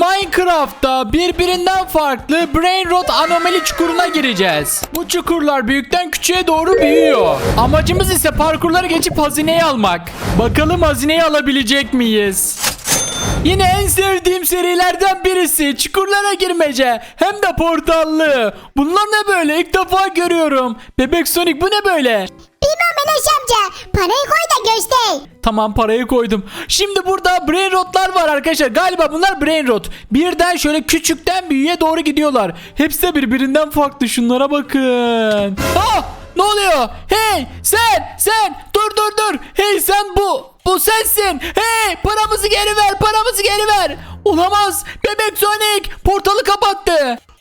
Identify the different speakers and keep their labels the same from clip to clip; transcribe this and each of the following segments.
Speaker 1: Minecraft'ta birbirinden farklı Brain Rot anomali çukuruna gireceğiz. Bu çukurlar büyükten küçüğe doğru büyüyor. Amacımız ise parkurları geçip hazineyi almak. Bakalım hazineyi alabilecek miyiz? Yine en sevdiğim serilerden birisi çukurlara girmece, hem de portallı. Bunlar ne böyle, ilk defa görüyorum. Bebek Sonic, bu ne böyle?
Speaker 2: Bilmem Enes amca. Parayı koy da göster.
Speaker 1: Tamam, parayı koydum. Şimdi burada brain rotlar var arkadaşlar. Galiba bunlar brain rot. Birden şöyle küçükten büyüğe doğru gidiyorlar. Hepsi de birbirinden farklı. Şunlara bakın. Ah! Ne oluyor? Hey sen dur. Hey sen bu sensin. Hey, paramızı geri ver. Olamaz. Bebek Sonic portalı kapattı.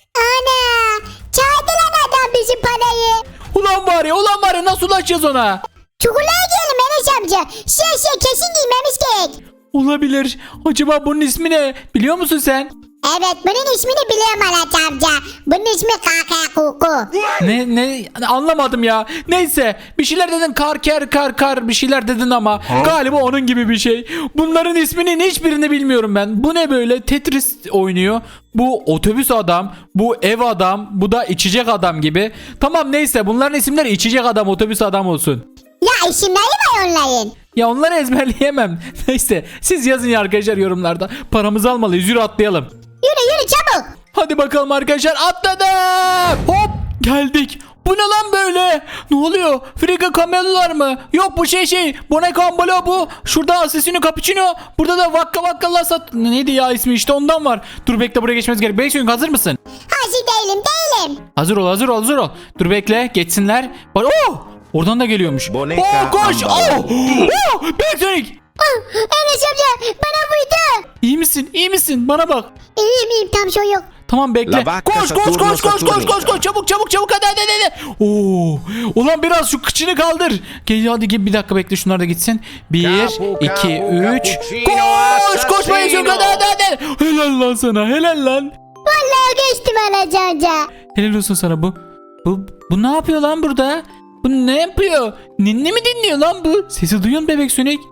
Speaker 2: Ana. Çaldı lan adam bizim parayı.
Speaker 1: Ulan var ya nasıl ulaşacağız ona?
Speaker 2: Çukurlara girelim Enes amca. Kesin giymemiz gerek.
Speaker 1: Olabilir. Acaba bunun ismi ne? Biliyor musun sen?
Speaker 2: Evet, bunun ismini biliyorum Enes amca. Bunun ismi Kaka Kuku.
Speaker 1: Ne anlamadım ya. Neyse, bir şeyler dedin, kar bir şeyler dedin ama galiba onun gibi bir şey. Bunların isminin hiçbirini bilmiyorum ben. Bu ne böyle? Tetris oynuyor. Bu otobüs adam, bu ev adam, bu da içecek adam gibi. Tamam, neyse, bunların isimleri içecek adam, otobüs adam olsun.
Speaker 2: Ya isimleri var onların.
Speaker 1: Ya onları ezberleyemem. Neyse, siz yazın ya arkadaşlar yorumlarda. Paramızı almalıyız, yürü atlayalım.
Speaker 2: Yürü çabuk.
Speaker 1: Hadi bakalım arkadaşlar, atladım. Hop, geldik. Bu ne lan böyle? Ne oluyor? Frika kamelular mı? Yok, bu Boneco Ambalo bu. Şurada Asesino Cappuccino. Burada da Vakka Lasat. Neydi ya ismi, işte ondan var. Dur bekle, buraya geçmemiz gerek. Beysun, hazır mısın?
Speaker 2: Hazır değilim.
Speaker 1: Hazır ol. Dur bekle, geçsinler. Bak, oradan da geliyormuş.
Speaker 3: Boneca
Speaker 1: Koş.
Speaker 3: Ambalo.
Speaker 1: Beysun.
Speaker 2: Enes amca bana vurdu.
Speaker 1: İyi misin? Bana bak.
Speaker 2: İyiyim tam şey yok.
Speaker 1: Tamam, bekle.
Speaker 3: La vacca
Speaker 1: Koş. Çabuk hadi. Oo. Ulan biraz şu kıçını kaldır. Gel hadi, gel bir dakika bekle, şunlar da gitsin. 1 2 3. Koş Bayezid, hadi. Helal lan sana, helal lan.
Speaker 2: Vallahi geçtim Enes amca.
Speaker 1: Helal olsun sana bu. Bu ne yapıyor lan burada? Bu ne yapıyor? Ninni mi dinliyor lan bu? Sesi duyuyor musun Bebek Sonic?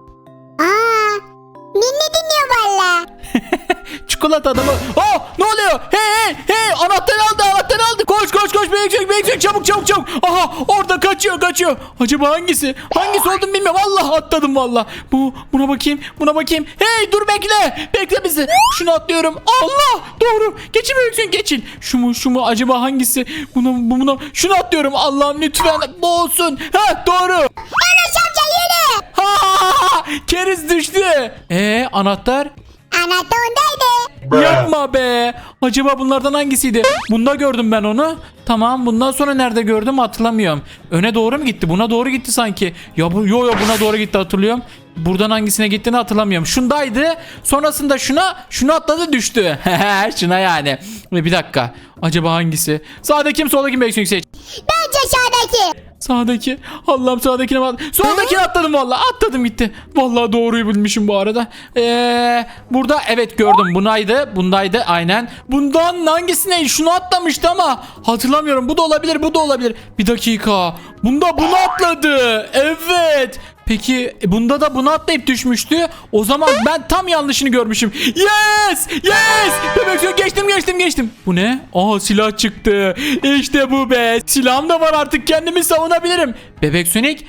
Speaker 2: Ninni dinliyor valla.
Speaker 1: Çikolata adamı. Ne oluyor? Hey, anahtarı aldı. Koş Bebek Sonic, çabuk. Aha, orada kaçıyor. Acaba hangisi olduğunu bilmiyorum. Vallahi atladım valla. Buna bakayım. Hey, dur bekle bizi. Şunu atlıyorum. Allah, doğru. Geçin Bebek Sonic, geçin. Şu mu acaba hangisi? Buna şunu atlıyorum. Allah'ım lütfen bu olsun. Doğru.
Speaker 2: Enes amca yürü.
Speaker 1: Keriz düştü. Anahtar?
Speaker 2: Anahtar ondaydı.
Speaker 1: Yapma be. Acaba bunlardan hangisiydi? Bunda gördüm ben onu. Tamam, bundan sonra nerede gördüm hatırlamıyorum. Öne doğru mu gitti? Buna doğru gitti sanki. Yo buna doğru gitti, hatırlıyorum. Buradan hangisine gittiğini hatırlamıyorum. Şundaydı. Sonrasında şunu atladı, düştü. Şuna yani. Bir dakika. Acaba hangisi? Sağdaki mi soldaki mi Bebek Sonic seç?
Speaker 2: Bence sağdaki.
Speaker 1: Sağdaki. Allah'ım, sağdakine bak. Soldakine atladım vallahi. Atladım gitti. Vallahi doğruyu bilmişim bu arada. Burada evet gördüm. Bundaydı aynen. Bundan hangisine? Şunu atlamıştı ama hatırlamıyorum. Bu da olabilir. Bir dakika. Bunda bunu atladı. Evet. Peki bunda da bunu atlayıp düşmüştü. O zaman ben tam yanlışını görmüşüm. Yes! Bebek Sonic, geçtim. Bu ne? Silah çıktı. İşte bu be. Silahım da var artık, kendimi savunabilirim. Bebek Sonic.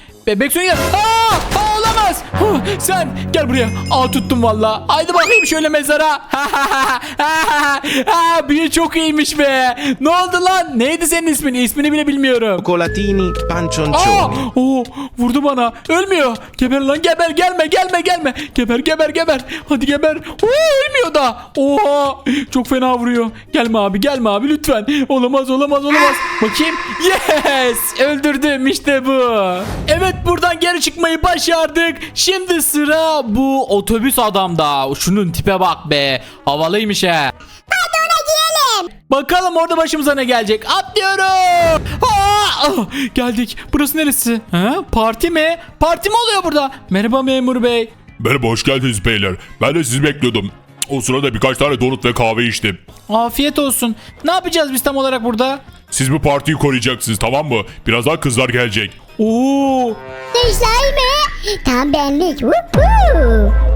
Speaker 1: Olamaz. Sen gel buraya. Tuttum valla. Haydi bakayım şöyle mezara. Büyü çok iyiymiş be. Ne oldu lan? Neydi senin ismin? İsmini bile bilmiyorum.
Speaker 3: Cioccolatini pancioncioni.
Speaker 1: Vurdu bana. Ölmüyor. Geber lan, geber. Gelme. Geber. Hadi geber. Ölmüyor da. Oha. Çok fena vuruyor. Gelme abi lütfen. Olamaz. Bakayım. Yes. Öldürdüm, işte bu. Evet, buradan geri çıkmayı başardık. Şimdi sıra bu otobüs adamda. Şunun tipe bak be. Havalıymış he.
Speaker 2: Hadi ona girelim.
Speaker 1: Bakalım orada başımıza ne gelecek. Atlıyorum. Geldik. Burası neresi? Parti mi? Parti mi oluyor burada? Merhaba memur bey.
Speaker 4: Merhaba, hoş geldiniz beyler. Ben de sizi bekliyordum. O sırada birkaç tane donut ve kahve içtim.
Speaker 1: Afiyet olsun. Ne yapacağız biz tam olarak burada?
Speaker 4: Siz bu partiyi koruyacaksınız, tamam mı? Birazdan kızlar gelecek.
Speaker 1: Oo.
Speaker 2: Kızlar mı? Tam benlik. Woohoo.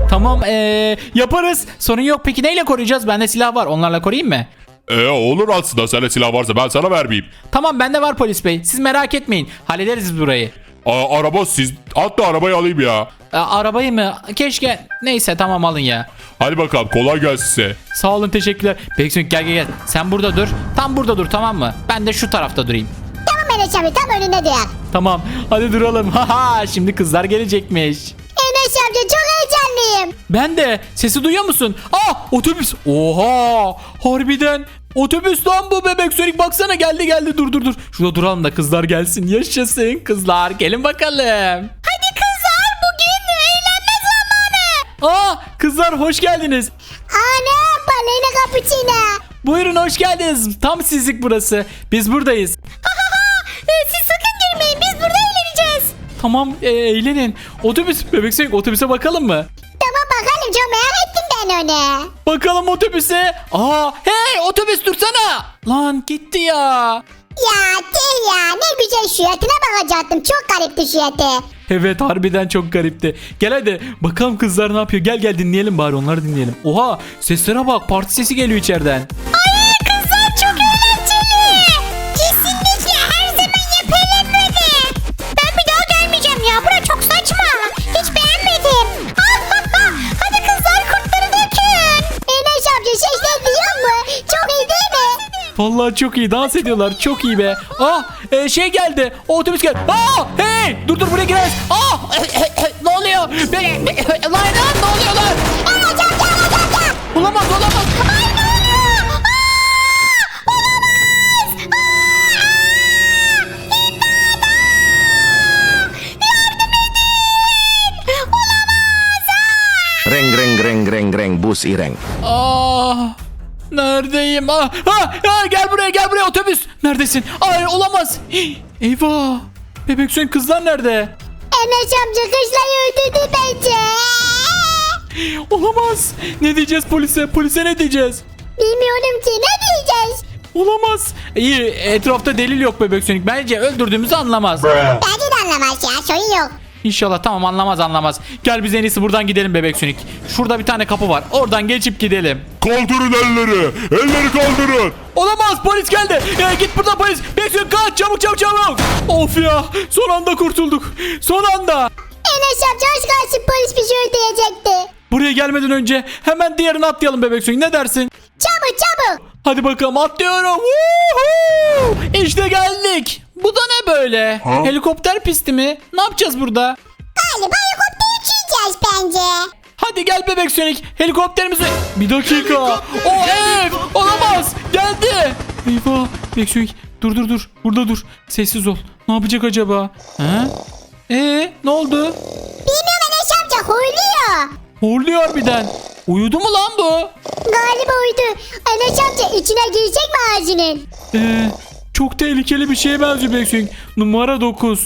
Speaker 1: Tamam yaparız. Sorun yok. Peki neyle koruyacağız? Bende silah var. Onlarla koruyayım mı?
Speaker 4: Olur aslında, sende silah varsa ben sana vermeyeyim.
Speaker 1: Tamam bende var polis bey. Siz merak etmeyin. Hallederiz biz burayı.
Speaker 4: Araba siz, hatta arabayı alayım ya.
Speaker 1: Arabayı mı? Keşke. Neyse tamam alın ya.
Speaker 4: Hadi bakalım, kolay gelsin size.
Speaker 1: Sağ olun teşekkürler. Bebek gel. Sen burada dur. Tam burada dur tamam mı? Ben de şu tarafta durayım.
Speaker 2: Tamam Enes amca tam önünde dur.
Speaker 1: Tamam hadi duralım. Haha şimdi kızlar gelecekmiş.
Speaker 2: Enes amca çok heyecanlıyım.
Speaker 1: Ben de. Sesi duyuyor musun? Otobüs. Oha harbiden. Otobüs lan bu bebek Sonic, baksana geldi dur. Şurada duralım da kızlar gelsin. Yaşasın kızlar, gelin bakalım.
Speaker 2: Hadi kızlar bugün eğlenme zamanı.
Speaker 1: Kızlar hoş geldiniz.
Speaker 2: Ana balena cappuccino.
Speaker 1: Buyurun hoş geldiniz. Tam sizlik burası. Biz buradayız.
Speaker 2: Siz sakın girmeyin biz burada eğleneceğiz.
Speaker 1: Tamam eğlenin. Otobüs bebek Sonic, otobüse bakalım mı?
Speaker 2: Tamam bakalım çok merak ettim ben onu.
Speaker 1: Bakalım otobüse. Hey otobüs dursana. Lan gitti ya.
Speaker 2: Ya değil ya ne güzel şiyatına bakacaktım çok garipti şiyatı.
Speaker 1: Evet harbiden çok garipti. Gel hadi bakalım kızlar ne yapıyor. Gel dinleyelim bari, onları dinleyelim. Oha seslere bak, parti sesi geliyor içeriden.
Speaker 2: Ay kızlar çok eğlenceli. Kesinlikle her zaman yapalım böyle. Ben bir daha gelmeyeceğim ya bura çok saçma. Hiç beğenmedim. Hadi kızlar kurtları dökün. Enes amca sesler duyuyor mu? Çok iyi değil mi?
Speaker 1: Vallahi çok iyi dans ediyorlar, çok iyi be. Şey geldi, o otobüs geldi. Hey dur buraya gireriz. Ne oluyor? Lan ne oluyor lan?
Speaker 2: Enes amca Enes amca.
Speaker 1: Olamaz.
Speaker 2: Ay ne oluyor? Olamaz. İmdat. Yardım edin. Olamaz.
Speaker 3: Reng reng bus ireng.
Speaker 1: Neredeyim? Gel buraya otobüs. Neredesin? Ay olamaz. Eyvah. Bebek Sonic kızlar nerede?
Speaker 2: Enes amca kızları öldürdü bence.
Speaker 1: Olamaz. Ne diyeceğiz polise? Polise ne diyeceğiz?
Speaker 2: Bilmiyorum ki ne diyeceğiz?
Speaker 1: Olamaz. İyi, etrafta delil yok Bebek Sonic. Bence öldürdüğümüzü anlamaz.
Speaker 2: Bence de anlamaz ya sorun yok.
Speaker 1: İnşallah tamam, anlamaz. Gel biz en iyisi buradan gidelim Bebek Sonic. Şurada bir tane kapı var. Oradan geçip gidelim.
Speaker 4: Kaldırın elleri. Elleri kaldırın.
Speaker 1: Olamaz, polis geldi. Git buradan polis. Bebek Sonic kaç, çabuk. Of ya, son anda kurtulduk. Son anda.
Speaker 2: Enes amca hoş gelsin polis bizi öldürecekti.
Speaker 1: Buraya gelmeden önce hemen diğerini atlayalım Bebek Sonic, ne dersin?
Speaker 2: Çabuk.
Speaker 1: Hadi bakalım atlıyorum. Woohoo! İşte geldik. Bu da ne böyle? Helikopter pisti mi? Ne yapacağız burada?
Speaker 2: Galiba helikopter uçacağız bence.
Speaker 1: Hadi gel Bebek Sonic. Helikopterimizi... Bir dakika. O ev. Olamaz. Geldi. Eyvah. Bebek Sonic. Dur. Burada dur. Sessiz ol. Ne yapacak acaba? Ne oldu?
Speaker 2: Bilmiyorum Enes amca horluyor.
Speaker 1: Horluyor harbiden. Uyudu mu lan bu?
Speaker 2: Galiba uydu. Enes amca içine girecek mi ağzının?
Speaker 1: Çok tehlikeli bir şeye benziyor Bebek Sonic. Numara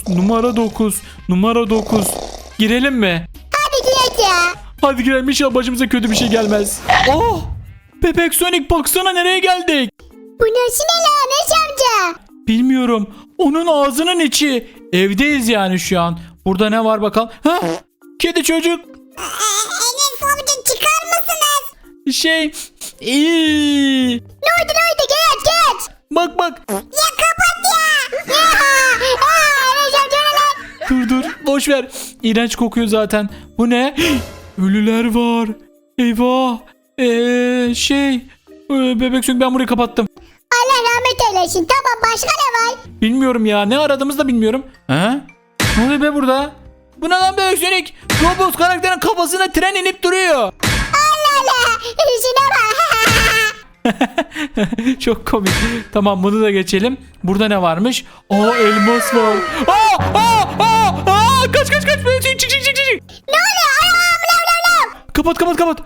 Speaker 1: 9. Girelim mi?
Speaker 2: Hadi girelim ya.
Speaker 1: Hadi girelim, inşallah başımıza kötü bir şey gelmez. Bebek Sonic baksana nereye geldik.
Speaker 2: Bu nasıl ne lan Enes amca?
Speaker 1: Bilmiyorum. Onun ağzının içi. Evdeyiz yani şu an. Burada ne var bakalım? Kedi çocuk.
Speaker 2: Enes amca çıkar mısınız?
Speaker 1: İyi.
Speaker 2: Ne oldu geç.
Speaker 1: Bak.
Speaker 2: Ya kapat ya. Enes amca ne lan?
Speaker 1: Dur. Boş ver. İğrenç kokuyor zaten. Bu ne? Ölüler var. Eyvah. Bebek Sonic, ben burayı kapattım.
Speaker 2: Allah rahmet eylesin. Tamam başka ne var?
Speaker 1: Bilmiyorum ya. Ne aradığımızı da bilmiyorum. Ne oluyor be burada? Bu ne lan Bebek Sonic? Roblox karakterin kafasına tren inip duruyor.
Speaker 2: Allah. İşine bak.
Speaker 1: Çok komik. Tamam, bunu da geçelim. Burada ne varmış? Elmas var. Kaç. Bebek Sonic, çık.
Speaker 2: Ne oluyor?
Speaker 1: Kapat.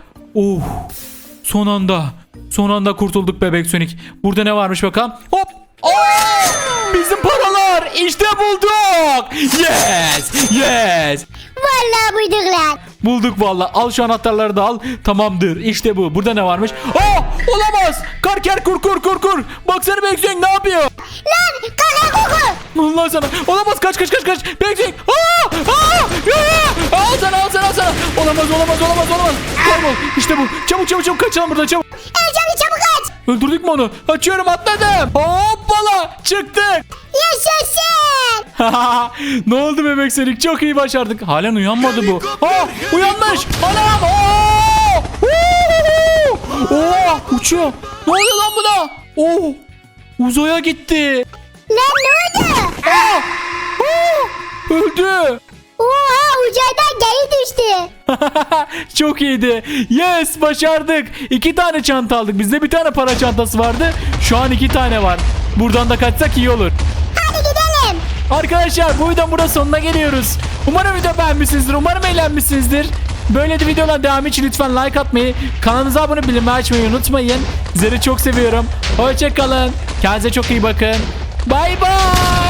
Speaker 1: Son anda kurtulduk Bebek Sonic. Burada ne varmış bakalım? Hop. Bizim paralar. İşte bulduk. Yes.
Speaker 2: Vallahi buyduk lan.
Speaker 1: Bulduk vallahi. Al şu anahtarları da al. Tamamdır. İşte bu. Burada ne varmış? Olamaz. Karker kur. Baksana Bebek Sonic ne yapıyor?
Speaker 2: Lan kaka koku.
Speaker 1: Allah sana. Olamaz, kaç. Bekleyin. Al sana. Olamaz. Kaybol. İşte bu. Çabuk kaçalım buradan çabuk.
Speaker 2: Ercan çabuk aç.
Speaker 1: Öldürdük mü onu? Açıyorum, atladım. Hoppala, çıktık.
Speaker 2: Yaşasın.
Speaker 1: Ne oldu bebek Sonic? Çok iyi başardık. Halen uyanmadı bu. Uyanmış. Anam. Uçuyor. Ne oluyor lan buna? Uzaya gitti.
Speaker 2: Lan ne oldu?
Speaker 1: Öldü.
Speaker 2: Oha uzaydan geri düştü.
Speaker 1: Çok iyiydi. Yes, başardık. 2 tane çanta aldık. Bizde bir tane para çantası vardı. Şu an 2 tane var. Buradan da kaçsak iyi olur.
Speaker 2: Hadi gidelim.
Speaker 1: Arkadaşlar bu videonun burada sonuna geliyoruz. Umarım video beğenmişsinizdir. Umarım eğlenmişsinizdir. Böyle de videolar devam için lütfen like atmayı, kanalımıza abone bildirimleri açmayı unutmayın. Sizleri çok seviyorum. Hoşça kalın. Kendinize çok iyi bakın. Bay bay.